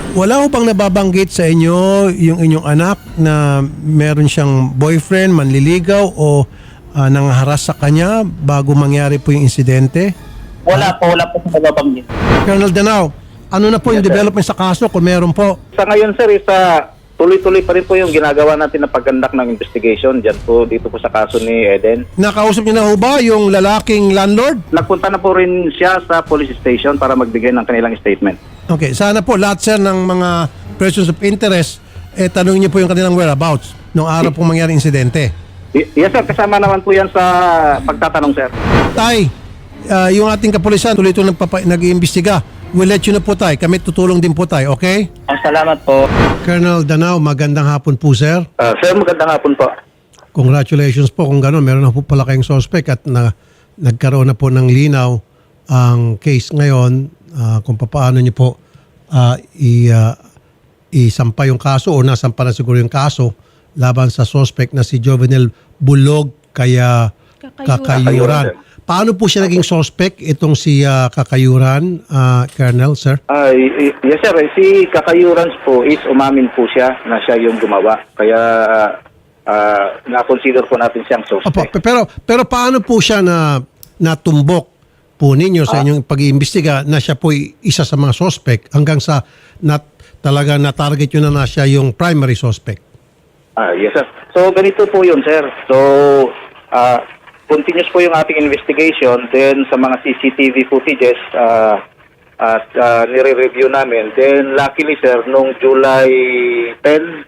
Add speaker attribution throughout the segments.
Speaker 1: Wala ho bang nababanggit sa inyo yung inyong anak na meron siyang boyfriend, manliligaw o nangharas sa kanya bago mangyari po yung insidente?
Speaker 2: Wala po sa nababanggit.
Speaker 1: Colonel Danao, ano na po yung development sa kaso kung meron po?
Speaker 2: Sa ngayon, sir, tuloy-tuloy pa rin po yung ginagawa natin na paggandak ng investigation dyan po, dito po sa kaso ni Eden.
Speaker 1: Nakausap niyo na ho ba yung lalaking landlord?
Speaker 2: Nagpunta na po rin siya sa police station para magbigay ng kanilang statement.
Speaker 1: Okay, sana po lahat sir ng mga persons of interest, tanongin niyo po yung kanilang whereabouts nung araw pong mangyari insidente.
Speaker 2: Yes, sir. Kasama naman po yan sa pagtatanong, sir.
Speaker 1: Tay, yung ating kapulisan tuloy-tuloy nag-iimbestiga. We'll let you know po tay. Kami tutulong din po tayo, okay?
Speaker 2: Salamat po.
Speaker 1: Colonel Danao, magandang hapon po sir.
Speaker 2: Sir, magandang hapon po.
Speaker 1: Congratulations po kung gano'n. Meron na po pala kayong suspect at nagkaroon na po ng linaw ang case ngayon kung paano niyo po isampa yung kaso o nasampa na siguro yung kaso laban sa suspect na si Jovenel Bulog kaya Kakayuran. Paano po siya naging suspect itong si Kakayuran, Colonel, sir?
Speaker 2: Yes, sir. Si Kakayuran po is umamin po siya na siya yung gumawa. Kaya na-consider po natin siyang suspect.
Speaker 1: Opo, pero paano po siya natumbok po ninyo sa inyong pag-iimbestiga na siya po isa sa mga suspect hanggang sa talaga na-target yun na siya yung primary suspect?
Speaker 2: Yes, sir. So, ganito po yun, sir. So, continuous po yung ating investigation. Then, sa mga CCTV footages, nire-review namin. Then, luckily, sir, nung July 10,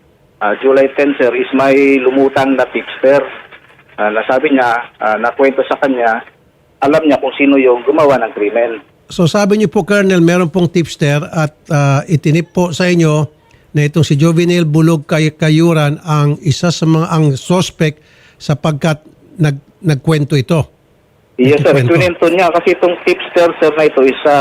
Speaker 2: sir, is may lumutang na tipster. Nasabi niya, nakwento sa kanya, alam niya kung sino yung gumawa ng krimen.
Speaker 1: So sabi niyo po, Colonel, meron pong tipster at itinip po sa inyo na itong si Jovenel Bulog Kayuran ang isa sa mga ang suspect sapagkat nagkwento ito.
Speaker 2: Yes, sir. Kwento niya kasi itong tipster, sir, na ito is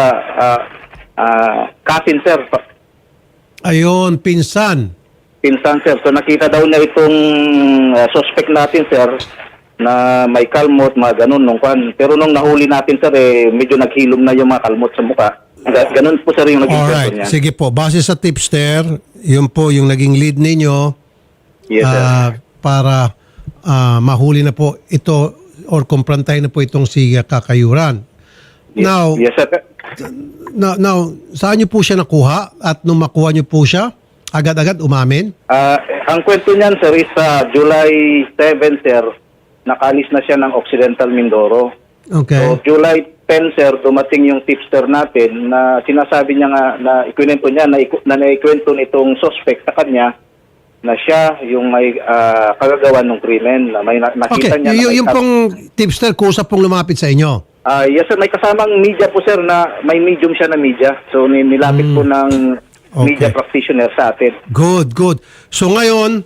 Speaker 2: cousin, sir.
Speaker 1: Ayun, pinsan.
Speaker 2: Pinsan, sir. So nakita daw niya itong suspect natin, sir, na may kalmot, mga ganun nung kan. Pero nung nahuli natin, sir, medyo naghilom na yung mga kalmot sa mukha. Ganun po, sir, yung naging kwento niya.
Speaker 1: Sige po. Base sa tipster, yun po yung naging lead ninyo.
Speaker 2: Yes, sir.
Speaker 1: Para mahuli na po ito or kumprantahin na po itong si Kakayuran. Now,
Speaker 2: yes, sir.
Speaker 1: Now, saan niyo po siya nakuha? At nung makuha niyo po siya, agad-agad umamin?
Speaker 2: Ang kwento niyan, sir, is July 7, sir, nakalis na siya ng Occidental Mindoro.
Speaker 1: Okay.
Speaker 2: So, July 10, sir, dumating yung tipster natin na sinasabi niya nga na ikwento niya, na naikwento nitong suspect sa kanya na siya yung may kagagawa ng krimen. Na may nakita niya.
Speaker 1: Yung pong tipster, kusa pong lumapit sa inyo?
Speaker 2: Yes, sir. May kasamang media po, sir, na may medium siya na media. So, nilapit po ng media practitioner sa atin.
Speaker 1: Good. So, ngayon,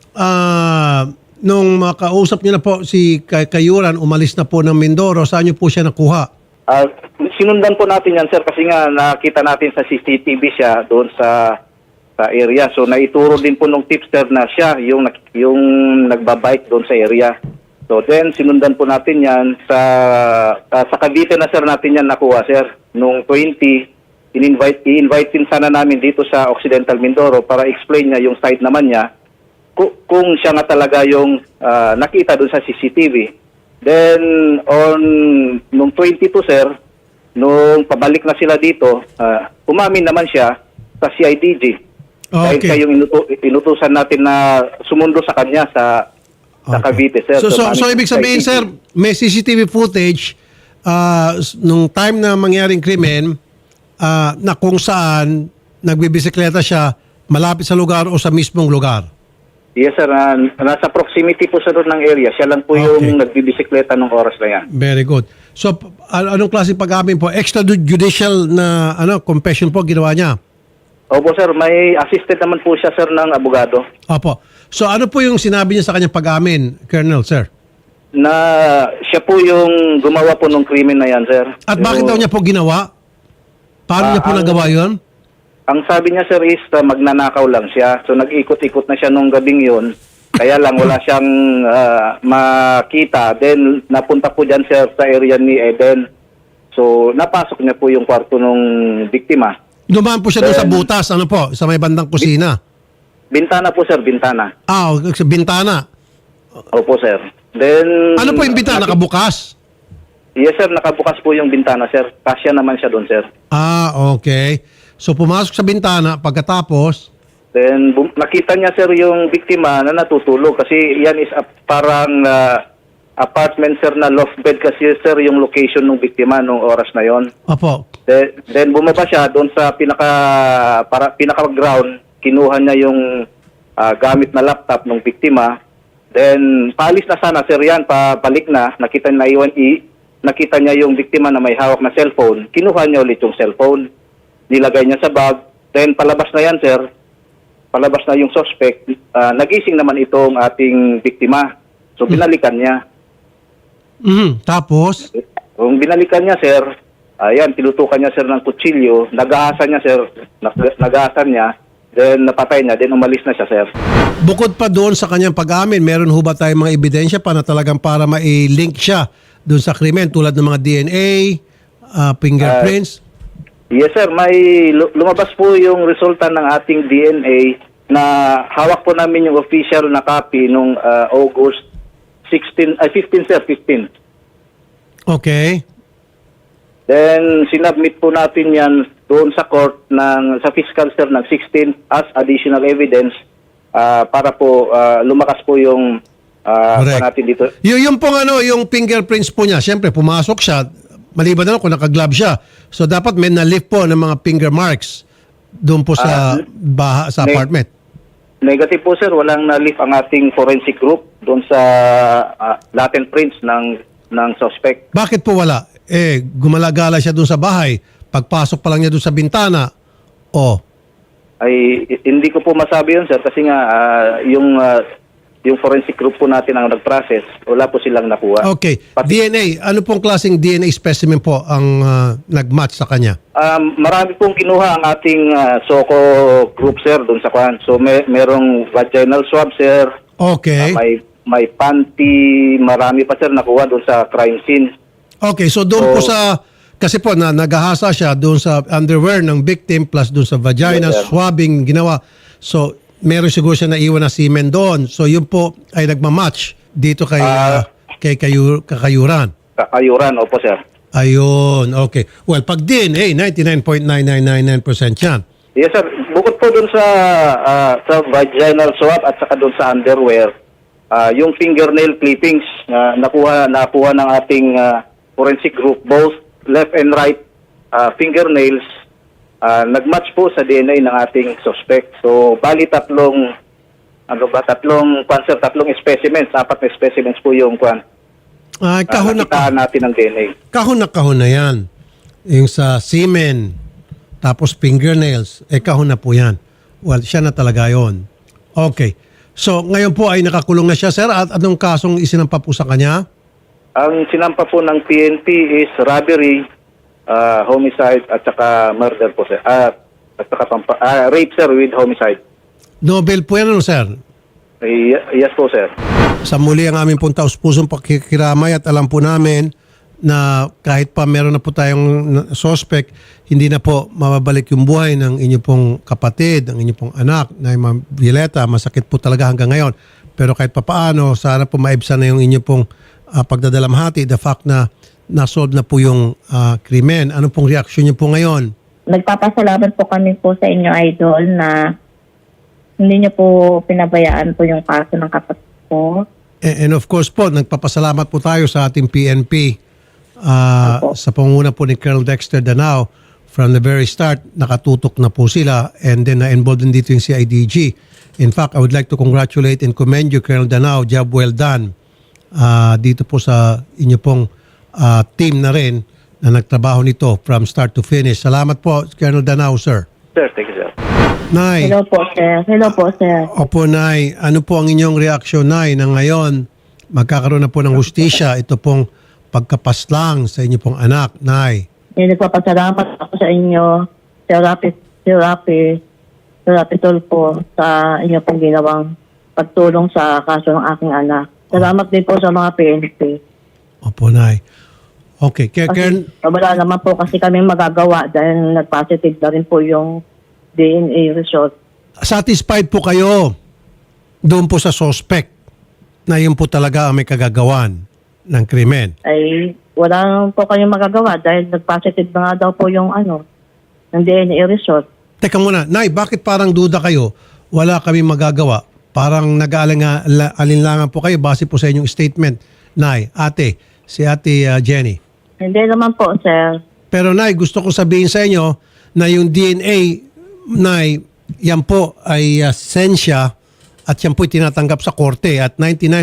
Speaker 1: nung makausap niyo na po si Kayuran, umalis na po ng Mindoro, saan niyo po siya nakuha?
Speaker 2: Sinundan po natin yan, sir, kasi nga nakita natin sa CCTV siya doon sa area. So, naituro din po nung tipster na siya yung nagbabike doon sa area. So, then, sinundan po natin yan sa Cavite na, sir, natin yan nakuha, sir. Nung 20, i-invite din sana namin dito sa Occidental Mindoro para explain niya yung side naman niya kung siya nga talaga yung nakita doon sa CCTV. Then, nung 22, sir, nung pabalik na sila dito, umamin naman siya sa CIDG. Dahil siya yung inutusan natin na sumundo sa kanya sa Cavite, sir.
Speaker 1: So ibig sabihin, sir, may CCTV footage nung time na mangyaring krimen na kung saan nagbibisikleta siya malapit sa lugar o sa mismong lugar?
Speaker 2: Yes, sir. Nasa proximity po sa doon ng area. Siya lang po yung nagbibisikleta nung oras na yan.
Speaker 1: Very good. So, anong klaseng pag-amin po? Extrajudicial na confession po ginawa niya?
Speaker 2: Opo, sir. May assisted naman po siya, sir, ng abogado.
Speaker 1: Opo. So, ano po yung sinabi niya sa kanyang pag-amin, Colonel, sir?
Speaker 2: Na siya po yung gumawa po ng krimen na yan, sir.
Speaker 1: At bakit daw niya po ginawa? Paano niya po nagawa yun?
Speaker 2: Ang sabi niya, sir, is magnanakaw lang siya. So, nag-ikot-ikot na siya nung gabing yun. Kaya lang, wala siyang makita. Then, napunta po dyan, sir, sa area ni Eden. So, napasok niya po yung kwarto ng biktima.
Speaker 1: Dumaan po siya doon sa butas, ano po, sa may bandang kusina.
Speaker 2: Bintana po, sir, bintana.
Speaker 1: Sa bintana.
Speaker 2: Opo, sir. Then...
Speaker 1: Ano po yung bintana? Nakabukas?
Speaker 2: Yes, sir. Nakabukas po yung bintana, sir. Kasya naman siya doon, sir.
Speaker 1: Okay. So pumasok sa bintana, pagkatapos,
Speaker 2: Then, nakita niya, sir, yung biktima na natutulog. Kasi yan is parang apartment, sir, na loft bed. Kasi, sir, yung location ng biktima nung oras na yon.
Speaker 1: opo,
Speaker 2: Then bumaba siya doon sa pinaka-ground. Kinuha niya yung gamit na laptop ng biktima. Then, paalis na sana, sir, yan. Pabalik na. Nakita niya yung biktima na may hawak na cellphone. Kinuha niya ulit yung cellphone. Nilagay niya sa bag. Then, palabas na yan, sir. Palabas na yung suspect. Nagising naman itong ating biktima. So, binalikan niya.
Speaker 1: tapos,
Speaker 2: Kung binalikan niya, sir, ayan, tinutukan niya, sir, ng kutsilyo. Nagahasan niya, sir. Nagahasan niya. Then, napatay niya. Then, umalis na siya, sir.
Speaker 1: bukod pa doon sa kanyang pag-amin, meron ho ba tayong mga ebidensya pa na talagang para ma-link siya doon sa krimen tulad ng mga DNA, fingerprints?
Speaker 2: Yes, sir. May lumabas po yung resulta ng ating DNA na hawak po namin yung official na copy nung August 15, sir, 15.
Speaker 1: Okay.
Speaker 2: Then, sinubmit po natin yan doon sa court sa fiscal, sir, ng 16 as additional evidence para po lumakas po yung
Speaker 1: Correct.
Speaker 2: natin dito.
Speaker 1: Yung pong yung fingerprints po niya, siyempre pumasok siya, maliban na lang kung naka-glove siya. So dapat may na-lift po ng mga finger marks doon po sa sa apartment.
Speaker 2: Negative po, sir. Walang na-lift ang ating forensic group doon sa latent prints ng suspect.
Speaker 1: Bakit po wala? Gumalagala siya doon sa bahay. Pagpasok pa lang niya doon sa bintana.
Speaker 2: Ay, hindi ko po masabi yun, sir, kasi nga yung forensic group po natin ang nag-process, wala po silang nakuha.
Speaker 1: Okay. DNA, ano pong klaseng DNA specimen po ang nag-match sa kanya?
Speaker 2: Marami pong kinuha ang ating SOCO group, sir, doon sa kwan. So, merong vaginal swab, sir.
Speaker 1: Okay.
Speaker 2: May panty, marami pa, sir, nakuha doon sa crime scene.
Speaker 1: Okay, so doon po sa, kasi po naghahasa siya doon sa underwear ng victim plus doon sa vagina,
Speaker 2: Yes, sir.
Speaker 1: swabbing ginawa. So, meron siguro siya naiwan na semen doon. So, yun po ay nagmamatch dito kay Kakayuran.
Speaker 2: Kakayuran, opo, sir.
Speaker 1: Ayun, okay. Well, pag DNA, 99.9999% yan.
Speaker 2: Yes, sir. Bukod po dun sa vaginal swab at saka dun sa underwear, yung fingernail clippings nakuha ng ating forensic group, both left and right fingernails, nagmatch po sa DNA ng ating suspect. So, bali tatlong specimens, 4 na specimens po yung
Speaker 1: Kahon na
Speaker 2: nakitaan natin ng DNA.
Speaker 1: kahon na yan. Yung sa semen, tapos fingernails, kahon na po yan. Well, siya na talaga yon. Okay. So, ngayon po ay nakakulong na siya, sir. At anong kasong isinampa po sa kanya?
Speaker 2: Ang sinampa po ng PNP is robbery, homicide, at saka murder po, sir. At saka rape, sir, with homicide.
Speaker 1: Nobel po yan, sir?
Speaker 2: Yes po, sir.
Speaker 1: Sa muli ang aming pong taus-pusong pakikiramay at alam po namin na kahit pa meron na po tayong suspect, hindi na po mababalik yung buhay ng inyong pong kapatid, ng inyong pong anak, na Ma'am Violeta. Masakit po talaga hanggang ngayon. Pero kahit pa paano, sana po maibsan na yung inyong pong pagdadalamhati, the fact na nasolve na po yung krimen. Ano pong reaksyon niyo po ngayon?
Speaker 3: Nagpapasalamat po kami po sa inyo, Idol, na hindi niyo po pinabayaan po yung kaso ng kapatid ko.
Speaker 1: And of course po, nagpapasalamat po tayo sa ating PNP sa pangunguna po ni Colonel Dexter Danao. From the very start, nakatutok na po sila and then na-involved din dito yung CIDG. In fact, I would like to congratulate and commend you, Colonel Danao. Job well done. Dito po sa inyo pong team na rin na nagtrabaho nito from start to finish. Salamat po, Colonel Danao, sir.
Speaker 2: Sir, thank you, sir.
Speaker 1: Nay.
Speaker 3: Hello po, sir. Hello po, sir.
Speaker 1: Opo, Nay. Ano po ang inyong reaksyon, Nay, na ngayon magkakaroon na po ng hustisya ito pong pagkapaslang sa inyo pong anak, Nay?
Speaker 3: Nagpapasalamat ako sa inyo, Sir Rapi Tulfo, sa inyo pong ginawang pagtulong sa kaso ng aking anak. Salamat din po sa mga PNP.
Speaker 1: Opo, Nay. Okay. Karen,
Speaker 3: Wala naman po kasi kami magagawa dahil nag-positive na rin po yung DNA result.
Speaker 1: satisfied po kayo doon po sa suspect na yun po talaga ang may kagagawan ng krimen?
Speaker 3: Ay wala naman po kayong magagawa dahil nag-positive na nga daw po yung ng DNA result.
Speaker 1: Teka muna, Nay, bakit parang duda kayo? Wala kami magagawa. Parang nag-aalinlangan po kayo base po sa inyong statement. Nay, si ate Jenny.
Speaker 3: Hindi naman po, sir.
Speaker 1: Pero Nay, gusto ko sabihin sa inyo na yung DNA, Nay, yan po ay sensya at yan po tinatanggap sa korte at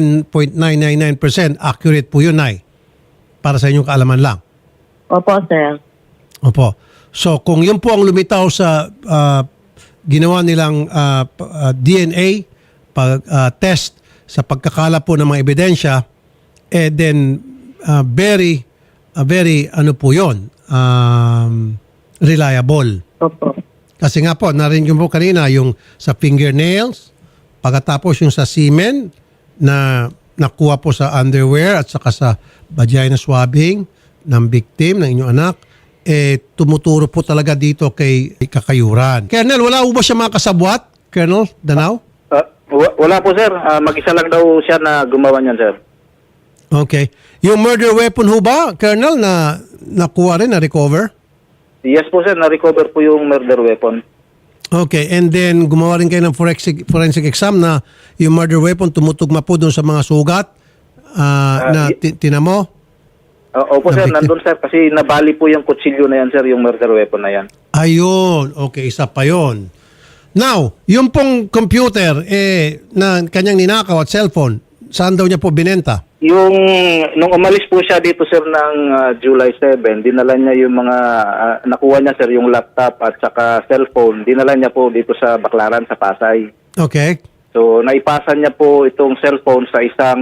Speaker 1: 99.999% accurate po yun, Nay. Para sa inyong kaalaman lang.
Speaker 3: Opo, sir.
Speaker 1: Opo. So kung yun po ang lumitaw sa ginawa nilang DNA test sa pagkakala po ng mga ebidensya, then very ano po yun, reliable.
Speaker 3: Opo.
Speaker 1: Kasi nga po, narinig po kanina yung sa fingernails, pagkatapos yung sa semen na nakuha po sa underwear at saka sa vagina swabbing ng victim, ng inyong anak, tumuturo po talaga dito kay Kakayuran. Colonel, wala po ba siya mga kasabwat? Colonel Danao?
Speaker 2: Wala po, sir. Mag-isa lang daw siya na gumawa niyan, sir.
Speaker 1: Okay. Yung murder weapon ho ba, Colonel, na nakuha rin, na-recover?
Speaker 2: Yes po, sir. Na-recover po yung murder weapon.
Speaker 1: Okay. And then, gumawa rin kayo ng forensic exam na yung murder weapon tumutugma po doon sa mga sugat na tinamo?
Speaker 2: Opo, sir. Nandun, sir. Kasi nabali po yung kutsilyo na yan, sir. Yung murder weapon na yan.
Speaker 1: Ayun. Okay, isa pa yun. Now, yung pong computer na kanyang ninakaw at cellphone, saan daw niya po binenta?
Speaker 2: Nung umalis po siya dito, sir, ng July 7, dinala niya yung mga, nakuha niya, sir, yung laptop at saka cellphone. Dinala niya po dito sa Baclaran, sa Pasay.
Speaker 1: Okay.
Speaker 2: So, naipasa niya po itong cellphone sa isang,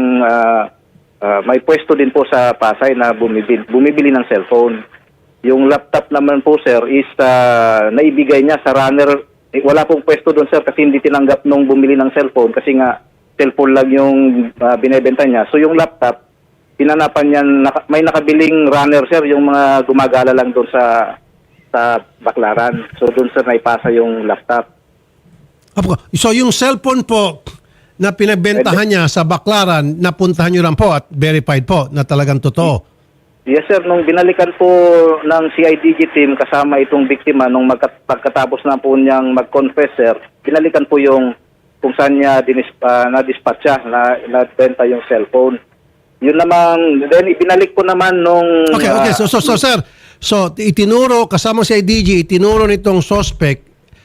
Speaker 2: may pwesto din po sa Pasay na bumibili ng cellphone. Yung laptop naman po, sir, is naibigay niya sa runner. Wala pong pwesto doon, sir, kasi hindi tinanggap nung bumili ng cellphone kasi nga cellphone lang yung binebenta niya. So yung laptop, pinanapan niya, may nakabiling runner, sir, yung mga gumagala lang doon sa Baclaran. So doon, sir, naipasa yung laptop.
Speaker 1: So yung cellphone po na pinagbentahan niya sa Baclaran, napuntahan niyo lang po at verified po na talagang totoo?
Speaker 2: Yes, sir. Nung binalikan po ng CIDG team kasama itong biktima, nung pagkatapos na po niyang mag-confess, sir, binalikan po yung kung saan niya na-dispatch siya, na-benta yung cellphone. Yun naman, then ibinalik po naman nung...
Speaker 1: Okay. So sir, itinuro, kasama si CIDG, itinuro nitong suspect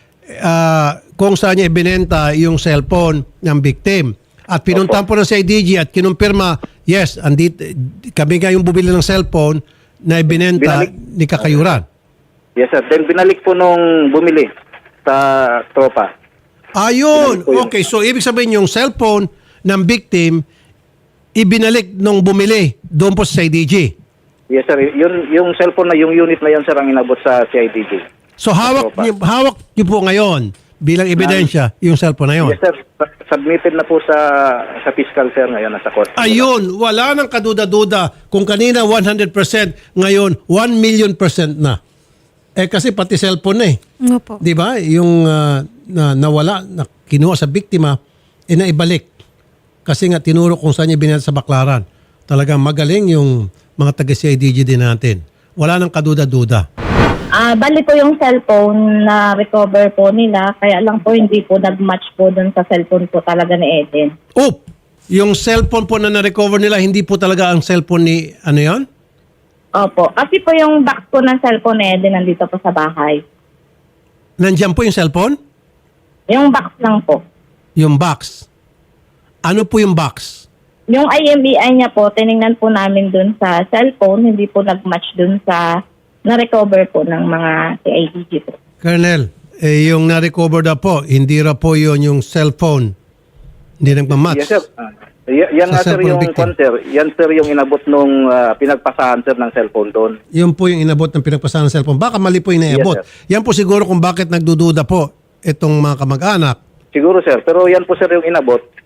Speaker 1: kung saan niya ibinenta yung cellphone ng victim. At pinuntahan po ng CIDG at kinumpirma, yes, kami nga yung bumili ng cellphone na ibinenta ni Kakayuran.
Speaker 2: Yes, sir. Then binalik po nung bumili sa tropa.
Speaker 1: Ayun. Okay, so ibig sabihin yung cellphone ng victim, ibinalik nung bumili doon po sa CIDG.
Speaker 2: Yes, sir. Yung cellphone na, yung unit na yun, sir, ang inabot sa CIDG.
Speaker 1: So hawak niyo po ngayon bilang ebidensya yung cellphone na yun.
Speaker 2: Yes, sir. Submitted na po sa fiscal, sir, ngayon nasa court.
Speaker 1: Ayun, wala nang kaduda-duda. Kung kanina 100%, ngayon 1,000,000% na. Kasi pati cellphone na
Speaker 4: Opo.
Speaker 1: Di ba? Yung nawala, na kinuha sa biktima, naibalik. Kasi nga tinuro kung saan niya binenta sa Baclaran. Talagang magaling yung mga taga-CIDG din natin. Wala nang kaduda-duda.
Speaker 3: Bali po yung cellphone na recover po nila, kaya lang po hindi po nag-match po dun sa cellphone po talaga ni Eden.
Speaker 1: Oh! Yung cellphone po na na-recover nila, hindi po talaga ang cellphone ni, ano yon?
Speaker 3: Opo. Kasi po yung box po ng cellphone ni Eden nandito po sa bahay.
Speaker 1: Nandiyan po yung cellphone?
Speaker 3: Yung box lang po.
Speaker 1: Yung box. Ano po yung box?
Speaker 3: Yung IMEI niya po, tinignan po namin dun sa cellphone, hindi po nag-match dun sa na-recover po ng mga CIDG po.
Speaker 1: Colonel, yung na-recover na po, hindi ra po yun yung cellphone. Hindi nagmamatch.
Speaker 2: Yes, sir. Yan nga, sir, yung sir. Yan, sir, yung inabot nung pinagpasahan, sir, ng cellphone doon.
Speaker 1: Yun po yung inabot ng pinagpasahan ng cellphone. Baka mali po yung inabot.
Speaker 2: Yes,
Speaker 1: yan po siguro kung bakit nagdududa po itong mga kamag-anak.
Speaker 2: Siguro, sir. Pero yan po, sir, yung inabot.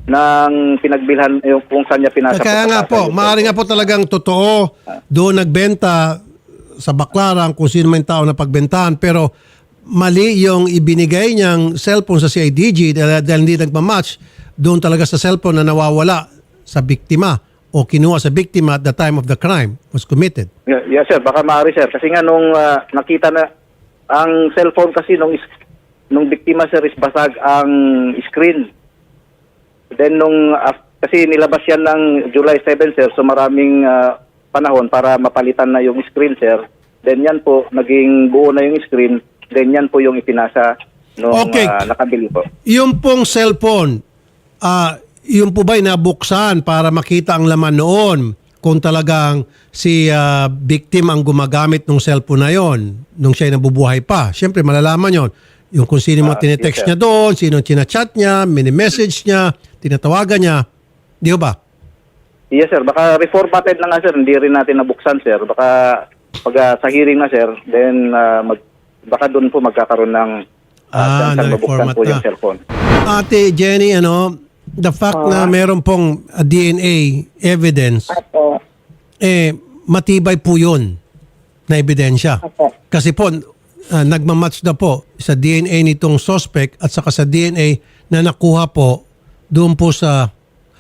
Speaker 2: ng pinagbilhan, yung kung saan niya pinasa.
Speaker 1: Kaya nga po, maaari nga po talagang totoo, doon nagbenta sa Baclaran kung sino man tao na pagbentahan, pero mali yung ibinigay niyang cellphone sa CIDG dahil hindi nagmamatch doon talaga sa cellphone na nawawala sa biktima o kinuha sa biktima at the time of the crime was committed.
Speaker 2: Yes, sir. Baka maaari, sir. Kasi nga nung nakita na ang cellphone kasi nung biktima, sir, is basag ang screen. Then kasi nilabas yan ng July 7, sir, so maraming panahon para mapalitan na yung screen, sir. Then yan po, naging buo na yung screen. Then yan po yung ipinasa nung nakabili po.
Speaker 1: Yung pong cellphone, yung po ba'y nabuksan para makita ang laman noon kung talagang si victim ang gumagamit ng cellphone na yon nung siya'y nabubuhay pa? Siyempre, malalaman yon. Yung kung sino mo tinetext
Speaker 2: yes,
Speaker 1: niya doon, sino chinachat niya, mini-message niya, tinatawagan niya. Di ba?
Speaker 2: Yes, sir. Baka reformatted na nga, sir. Hindi rin natin nabuksan, sir. Baka pag sa hearing na, sir, then baka doon po magkakaroon ng mabuksan po yung cellphone.
Speaker 1: Ate Jenny, the fact na meron pong DNA evidence,
Speaker 3: Opo.
Speaker 1: matibay po yun na ebidensya.
Speaker 3: Opo.
Speaker 1: Kasi po, nagmamatch na po sa DNA nitong suspect at saka sa DNA na nakuha po doon po sa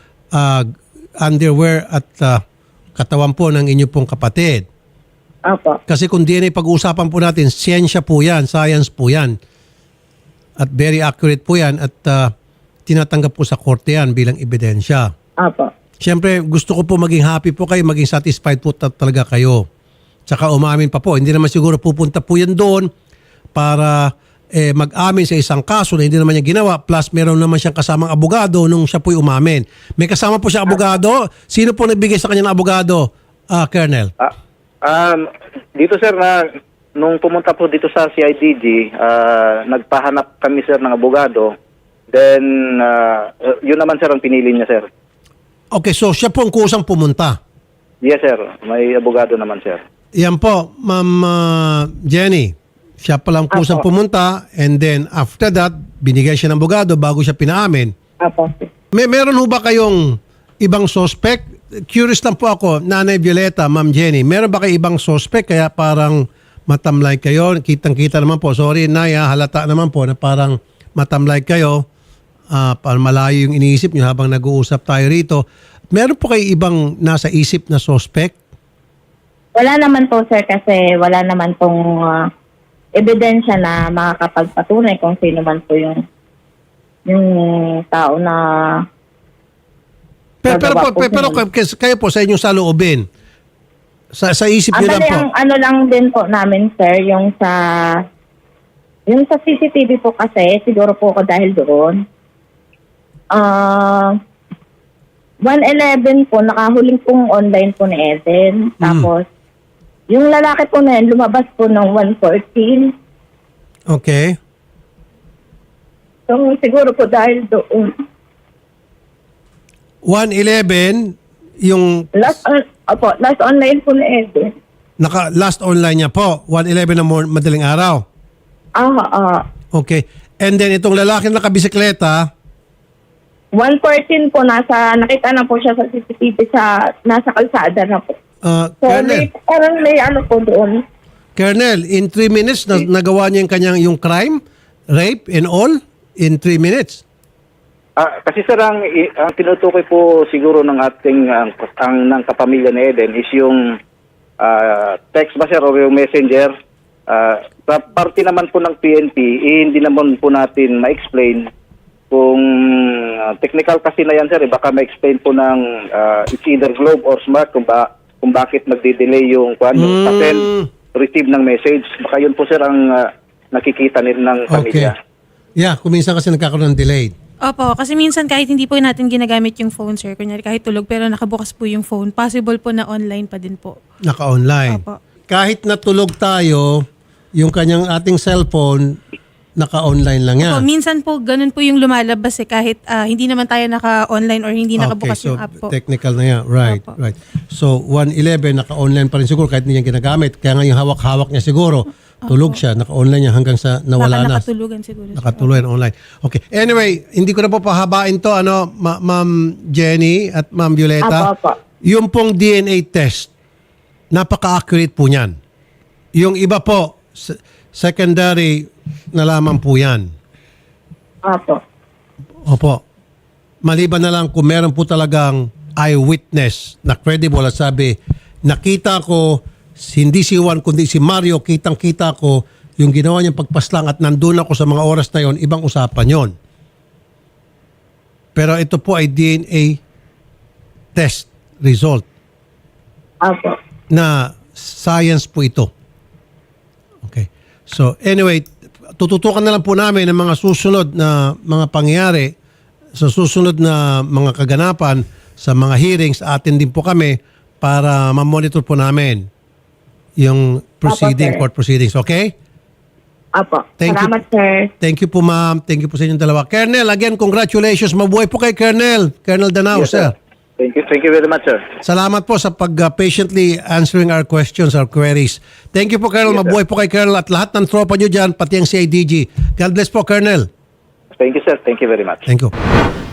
Speaker 1: underwear at katawan po ng inyo pong kapatid.
Speaker 3: Opo.
Speaker 1: Kasi kung DNA pag-uusapan po natin, siyensya po yan, science po yan. At very accurate po yan at tinatanggap po sa korte yan bilang ebidensya.
Speaker 3: Opo.
Speaker 1: Siyempre, gusto ko po maging happy po kayo, maging satisfied po talaga kayo. Tsaka umamin pa po. Hindi naman siguro pupunta po yan doon para mag-amin sa isang kaso na hindi naman niya ginawa. Plus, meron naman siyang kasamang abogado nung siya po'y umamin. May kasama po siya abogado. Sino po nagbigay sa kanya ng abogado, Colonel?
Speaker 2: Dito, sir, nung pumunta po dito sa CIDG, nagpahanap kami, sir, ng abogado. Then, yun naman, sir, ang pinili niya, sir.
Speaker 1: Okay, so siya po ang kusang pumunta.
Speaker 2: Yes, sir. May abogado naman, sir.
Speaker 1: Yan po, Ma'am Jenny. Siya palang kusang pumunta and then after that, binigay siya ng abogado bago siya pinaamin.
Speaker 3: Opo.
Speaker 1: Meron ho ba kayong ibang suspect? Curious lang po ako, Nanay Violeta, Ma'am Jenny. Meron ba kayo ibang suspect kaya parang matamlay kayo? Kitang-kita naman po. Sorry, Naya, halata naman po na parang matamlay kayo. Parang malayo yung iniisip niyo habang nag-uusap tayo rito. Meron po kayo ibang nasa isip na suspect?
Speaker 3: Wala naman po, sir, kasi wala naman pong ebidensya na makakapagpatunay kung sino man po yung tao na
Speaker 1: pero kayo po sa inyong saloobin, sa isip niyo lang po.
Speaker 3: Ang ano lang din po namin, sir, yung sa CCTV po kasi, siguro po ako dahil doon. 1:11 po, nakahuling pong online po ni Eden. Tapos, yung lalaki po na yun, lumabas po ng 1:14.
Speaker 1: Okay.
Speaker 3: So, siguro po dahil doon.
Speaker 1: 1:11, yung
Speaker 3: Last online po ni Eden.
Speaker 1: last online niya po, 1:11 na madaling araw. Okay. And then itong lalaki na nakabisikleta,
Speaker 3: 1:14 po, nakita na po siya sa CCTV nasa kalsada na po. So,
Speaker 1: Colonel,
Speaker 3: parang may ano po doon.
Speaker 1: Colonel, in 3 minutes, nagawa niya yung crime, rape and all, in 3 minutes.
Speaker 2: Kasi, sir, ang tinutukoy po siguro ng ating ng kapamilya ni Eden is yung text ba, sir, o yung messenger. Sa parte naman po ng PNP, hindi naman po natin ma-explain kung technical kasi na yan, sir. Baka ma-explain po ng it's either Globe or Smart kung bakit magde-delay yung send, receive ng message. Baka yun po, sir, ang nakikita nila ng pamilya.
Speaker 1: Okay. Yeah, kung minsan kasi nagkakaroon ng delay.
Speaker 4: Opo, kasi minsan kahit hindi po natin ginagamit yung phone, sir, kunyari kahit tulog pero nakabukas po yung phone, possible po na online pa din po.
Speaker 1: Naka-online.
Speaker 4: Opo.
Speaker 1: Kahit natulog tayo, yung ating cellphone, naka-online lang yan.
Speaker 4: Opo, minsan po ganun po yung lumalabas kahit hindi naman tayo naka-online or hindi nakabukas yung app po.
Speaker 1: Technical na yan. Right,
Speaker 4: Opo.
Speaker 1: right. So, 1:11, naka-online pa rin siguro kahit hindi niya ginagamit. Kaya nga yung hawak-hawak niya siguro. tulog siya, naka-online niya hanggang sa nawala
Speaker 4: Baka
Speaker 1: na.
Speaker 4: nakatulugan siguro. siya.
Speaker 1: Nakatuloy online. Okay. Anyway, hindi ko na po pahabain to, Ma'am Jenny at Ma'am Violeta.
Speaker 3: Apo.
Speaker 1: Yung pong DNA test, napaka-accurate po niyan. Yung iba po, secondary na lamang po yan.
Speaker 3: Opo.
Speaker 1: Opo. Maliban na lang kung meron po talagang eyewitness na credible at sabi, nakita ko, hindi si Juan kundi si Mario, kitang-kita ko yung ginawa niyang pagpaslang at nandun ako sa mga oras na yon, ibang usapan yon. Pero ito po ay DNA test result
Speaker 3: Opo.
Speaker 1: na science po ito. Okay. So anyway, tututukan na lang po namin ang mga susunod na mga pangyayari sa susunod na mga kaganapan sa mga hearings. Atin din po kami para ma-monitor po namin yung proceeding,
Speaker 3: sir.
Speaker 1: court proceedings. Okay?
Speaker 3: Opo.
Speaker 1: Thank you.
Speaker 3: Salamat, sir.
Speaker 1: Thank you po, ma'am. Thank you po sa inyong dalawa. Colonel, again, congratulations. Mabuhay po kay Colonel. Colonel Danao,
Speaker 2: Yes,
Speaker 1: sir.
Speaker 2: Thank you very much, sir.
Speaker 1: Salamat po sa pag-patiently answering our questions, our queries. Thank you po, Colonel.
Speaker 2: Yes, sir.
Speaker 1: Mabuhay po kay Colonel at lahat ng tropa nyo dyan, pati ang CIDG. God bless po, Colonel.
Speaker 2: Thank you, sir. Thank you very much.
Speaker 1: Thank you.